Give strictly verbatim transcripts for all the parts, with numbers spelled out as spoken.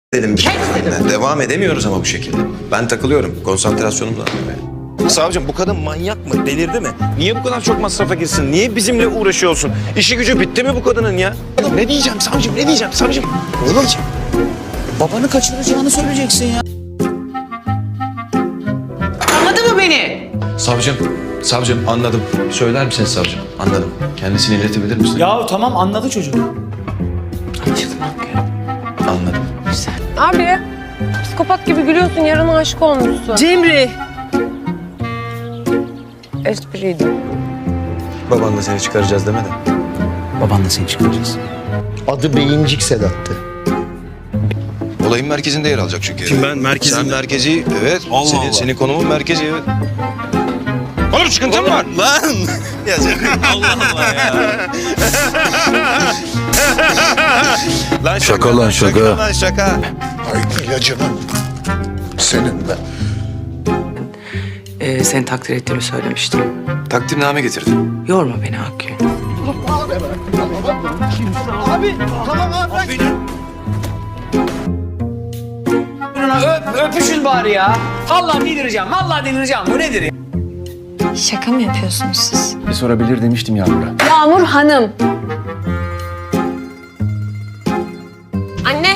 dedim. dedim. Devam edemiyoruz ama bu şekilde. Ben takılıyorum. Konsantrasyonum dağılıyor. Savcım bu kadın manyak mı? Delirdi mi? Niye bu kadar çok masrafa girsin? Niye bizimle uğraşıyor olsun? İşi gücü bitti mi bu kadının ya? Ne diyeceğim savcım? Ne diyeceğim savcım? Ne diyeceğim? Babanı kaçıracağını söyleyeceksin ya. Anladın mı beni? Savcım, savcım anladım. Söyler misiniz savcım? Anladım. Kendisini iletebilir misin? Ya tamam anladı çocuk. Anlaşıldı mı? Anladım. Abi, psikopat gibi gülüyorsun, yarın aşık olmuşsun. Cemre. Espriydi. Babanla seni çıkaracağız demedi. Babanla seni çıkaracağız. Adı Beyincik Sedat'tı. Olayın merkezinde yer alacak çünkü. Kim ben? Merkezinde. Sen merkezi, evet. Allah senin, Allah. senin konumun merkezi, evet. Oğlum sıkıntın mı var? Lan! Ya canım, Allah Allah ya. Lan Şaka lan, şaka. Lan şaka. Ay ilacının senin de. Ee, seni takdir ettiğimi söylemiştim. Takdimname getirdim. Yorma beni Hakkı. Öp, öpüşün bari ya. Vallahi delireceğim, vallahi delireceğim. Bu nedir ya? Şaka mı yapıyorsunuz siz? Bir sorabilir demiştim Yağmur'a. Yağmur Hanım. Anne.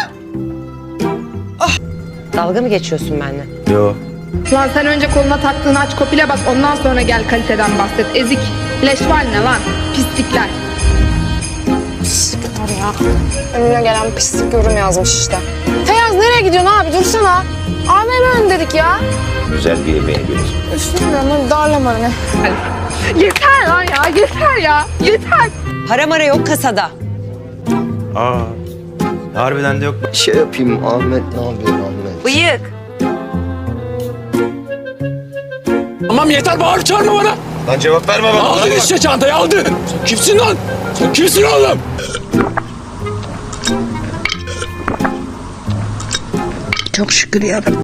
Dalga mı geçiyorsun benimle? Yo. Lan sen önce koluna taktığın aç kopile bak, ondan sonra gel kaliteden bahset. Ezik, leşval ne lan? Pislikler. Pislikler ya. Önüne gelen pislik yorum yazmış işte. Feyyaz nereye gidiyorsun abi? Dursana. A V M ön dedik ya. Güzel bir yemeğe gidiyoruz. Üstünden hadi darlama beni. Yeter lan ya, yeter ya, yeter. Para mara yok kasada. Aa. Harbiden de yok. Şey yapayım Ahmet, ne yapıyorsun Ahmet? Bıyık. Tamam yeter, bağır çağırma bana. Lan cevap verme bana. Aldın işte çantayı, aldın. Sen kimsin lan? Sen kimsin oğlum? Çok şükür yarabbim.